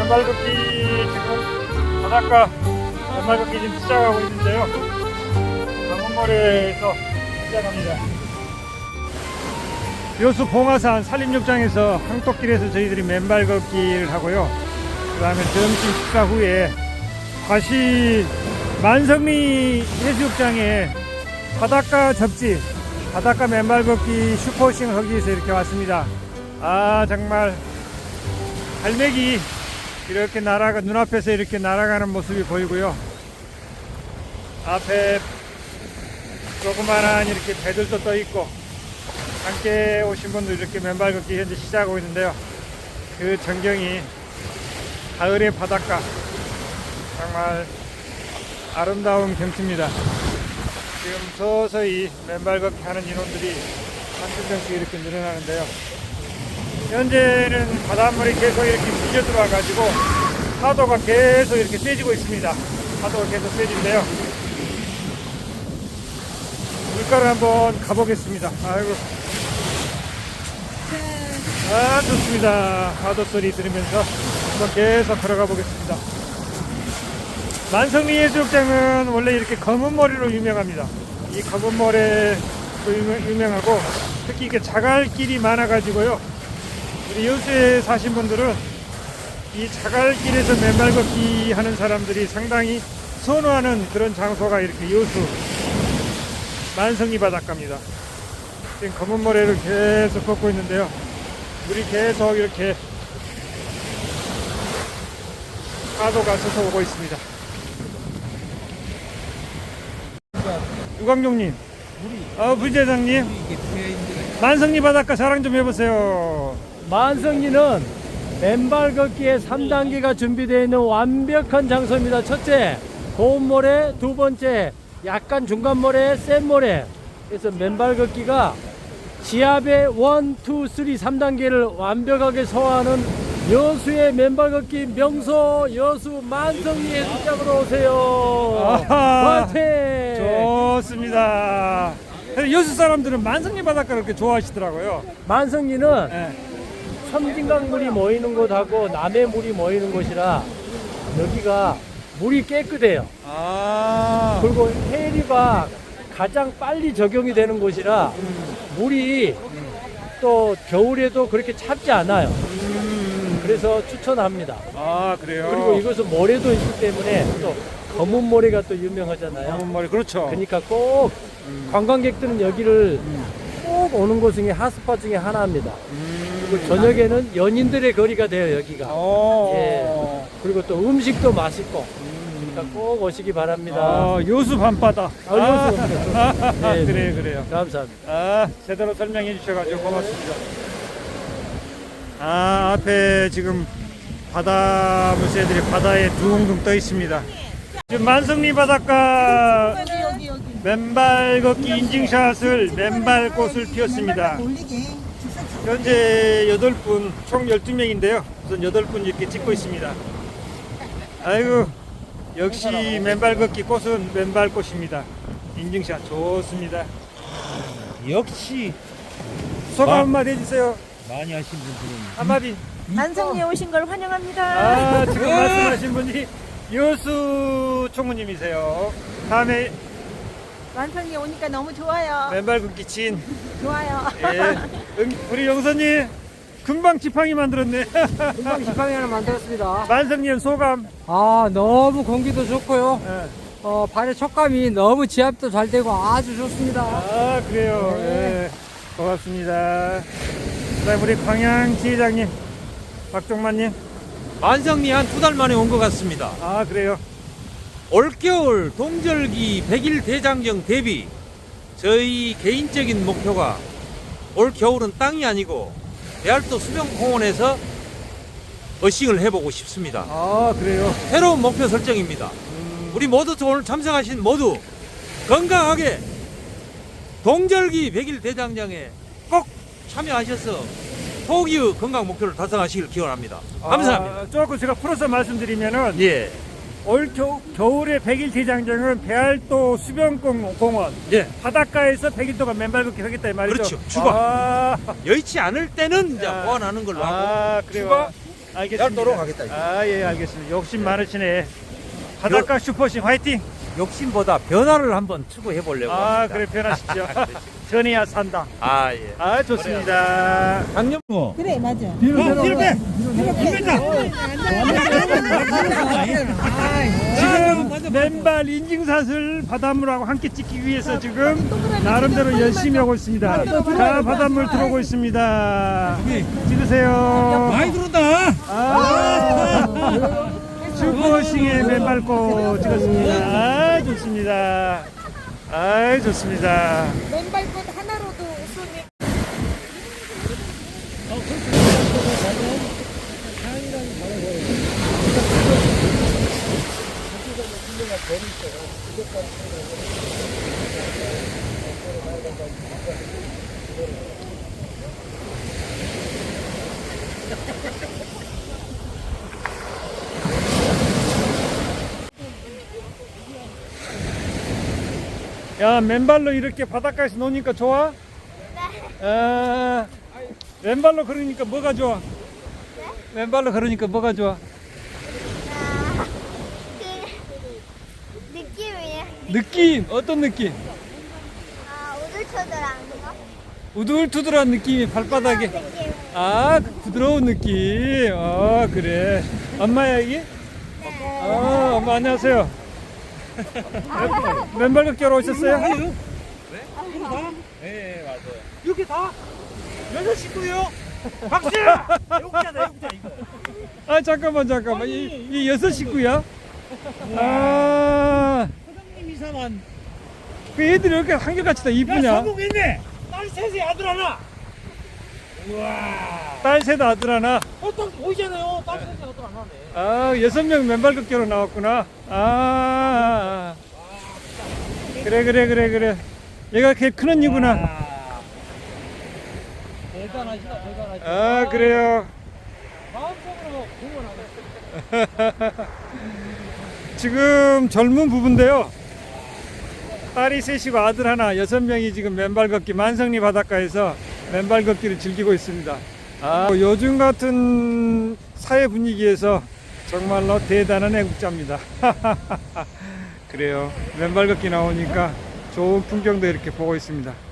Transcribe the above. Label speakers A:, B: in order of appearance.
A: 맨발 걷기 지금 바닷가 맨발 걷기 지금 시작하고 있는데요. 강원모래에서 시작합니다. 여수 봉화산 산림욕장에서 항토길에서 저희들이 맨발 걷기를 하고요. 그 다음에 점심 식사 후에 다시 만성리 해수욕장에 바닷가 접지, 바닷가 맨발 걷기 슈퍼싱 하기 위해서 이렇게 왔습니다. 아, 정말 갈매기 이렇게 눈앞에서 이렇게 날아가는 모습이 보이고요. 앞에 조그만한 이렇게 배들도 떠 있고, 함께 오신 분들 이렇게 맨발 걷기 현재 시작하고 있는데요. 그 전경이 가을의 바닷가, 정말 아름다운 경치입니다. 지금 서서히 맨발 걷기 하는 인원들이 한두 명씩 이렇게 늘어나는데요. 현재는 바닷물이 계속 이렇게 밀려 들어와 가지고 파도가 계속 이렇게 세지고 있습니다. 파도가 계속 세진데요. 물가를 한번 가보겠습니다. 아이고, 아, 좋습니다. 파도 소리 들으면서 한번 계속 걸어가 보겠습니다. 만성리 해수욕장은 원래 이렇게 검은 모래로 유명합니다. 이 검은 모래로 유명하고, 특히 이게 자갈길이 많아 가지고요. 우리 여수에 사신 분들은 이 자갈길에서 맨발 걷기 하는 사람들이 상당히 선호하는 그런 장소가 이렇게 여수 만성리 바닷가입니다. 지금 검은 모래를 계속 걷고 있는데요. 물이 계속 이렇게 파도가 쳐서 오고 있습니다. 유광종님, 부대장님, 만성리 바닷가 자랑 좀 해보세요.
B: 만성리는 맨발 걷기에 3단계가 준비되어 있는 완벽한 장소입니다. 첫째, 고운 모래. 두 번째, 약간 중간 모래, 센 모래. 그래서 맨발 걷기가 지압의 1, 2, 3, 3단계를 완벽하게 소화하는 여수의 맨발 걷기 명소 여수 만성리 해수욕장으로 오세요. 화이팅!
A: 좋습니다. 여수 사람들은 만성리 바닷가를 그렇게 좋아하시더라고요.
B: 만성리는
A: 네.
B: 섬진강물이 모이는 곳하고 남해물이 모이는 곳이라 여기가 물이 깨끗해요.
A: 아,
B: 그리고 해리가 가장 빨리 적용이 되는 곳이라 물이 또 겨울에도 그렇게 찹지 않아요. 그래서 추천합니다.
A: 아, 그래요.
B: 그리고 이것은 모래도 있기 때문에 또 검은 모래가 또 유명하잖아요.
A: 검은 모래, 그렇죠.
B: 그러니까 꼭 관광객들은 여기를 꼭 오는 곳 중에 핫스팟 중에 하나입니다. 그리고 저녁에는 연인들의 거리가 돼요, 여기가. 예. 그리고 또 음식도 맛있고. 그러니까 꼭 오시기 바랍니다.
A: 아, 여수 밤바다.
B: 여수 네,
A: 그래요, 그래요.
B: 감사합니다.
A: 아, 제대로 설명해 주셔가지고 고맙습니다. 아, 앞에 지금 바다 물새들이 바다에 둥둥 떠 있습니다. 지금 만성리 바닷가 맨발 걷기 인증샷을 맨발꽃을 피웠습니다. 현재 8분, 총 12명인데요. 우선 8분 이렇게 찍고 있습니다. 아이고, 역시 맨발 걷기 꽃은 맨발꽃입니다. 인증샷 좋습니다.
C: 역시
A: 소감 한마디 해주세요.
C: 많이 하신 분들은
A: 한마디.
D: 만성리에 오신 걸 환영합니다.
A: 아, 지금 말씀하신 분이 여수 총무님이세요. 다음에
D: 만성리에 오니까 너무 좋아요.
A: 맨발 걷기 친.
D: 좋아요.
A: 예. 우리 영선님 금방 지팡이 만들었네.
E: 금방 지팡이 하나 만들었습니다.
A: 만성님 소감.
E: 아, 너무 공기도 좋고요.
A: 예.
E: 발의 촉감이 너무 지압도 잘 되고 아주 좋습니다.
A: 아, 그래요.
E: 네.
A: 예. 고맙습니다. 그다음 우리 광양 지회장님, 박종만님.
C: 만성리 한 2달 만에 온 것 같습니다.
A: 아, 그래요.
C: 올겨울 동절기 100일 대장정 대비 저희 개인적인 목표가 올 겨울은 땅이 아니고 배알도 수변공원에서 어싱을 해보고 싶습니다.
A: 아, 그래요.
C: 새로운 목표 설정입니다. 우리 모두 오늘 참석하신 모두 건강하게 동절기 100일 대장정에 꼭 참여하셔서 포기의 건강 목표를 달성하시길 기원합니다. 감사합니다.
A: 아, 조금 제가 풀어서 말씀드리면은
C: 예,
A: 올 겨울의 100일 대장정은 배알도 수변공원
C: 예.
A: 바닷가에서 100일 동안 맨발 걷기 하겠다 이 말이죠.
C: 그렇죠. 주거.
A: 아,
C: 여의치 않을 때는 이제
A: 아.
C: 보완하는 걸로 하고
A: 아, 그래요.
C: 추가
A: 알겠습니다.
C: 얇도록 하겠다.
A: 아, 예, 알겠습니다. 욕심 많으시네. 바닷가 슈퍼싱 화이팅!
C: 욕심보다 변화를 한번 추구해 보려고
A: 아,
C: 합니다.
A: 그래, 변하십시오. 전해야 산다.
C: 아, 예.
A: 아, 좋습니다.
C: 강력
D: 그래, 맞아.
A: 뒤로 빼! 지금 맨발 인증샷을 바닷물하고 함께 찍기 위해서 지금 나름대로 열심히 하고 있습니다. 자, 바닷물 들어오고 있습니다. 찍으세요.
C: 많이 들어온다.
A: 아, 슈퍼싱의 맨발꽃 찍었습니다. 아, 좋습니다. 아, 좋습니다.
D: 맨발꽃 하나로도 손이.
A: 야, 맨발로 이렇게 바닷가에서 노니까 좋아? 아, 맨발로 걸으니까 뭐가 좋아? 맨발로 걸으니까 뭐가 좋아?
F: 그 느낌이에요.
A: 느낌, 어떤 느낌?
F: 우들처들한 거.
A: 우둘투둘한 느낌이 발바닥에.
F: 느낌.
A: 아, 그 부드러운 느낌. 아, 그래. 엄마야, 이게? 아, 엄마 안녕하세요. 맨발 걷기하러 오셨어요?
C: 네, 맞아요.
A: 이렇게 다? 여섯 식구요? 박수!
C: 욕자다, 욕자 이거.
A: 아, 잠깐만. 이 여섯 식구야? 아,
C: 사장님 이사만.
A: 그 애들이 이렇게 한결같이 다 이쁘냐?
C: 성공했네. 딸 셋에 아들 하나. 우와.
A: 딸 셋 아들 하나.
C: 딱 보이잖아요. 딸 셋에 아들 하나네.
A: 아, 6명 맨발 걷기로 나왔구나. 아, 그래. 얘가 걔 큰 언니구나.
C: 대단하시다, 대단하시다.
A: 아, 그래요.
C: 마음속으로 응원하겠습니다.
A: 지금 젊은 부부인데요. 딸이 셋이고 아들 하나, 6명이 지금 맨발 걷기 만성리 바닷가에서 맨발 걷기를 즐기고 있습니다. 아, 요즘 같은 사회 분위기에서 정말로 대단한 애국자입니다. 그래요. 맨발 걷기 나오니까 좋은 풍경도 이렇게 보고 있습니다.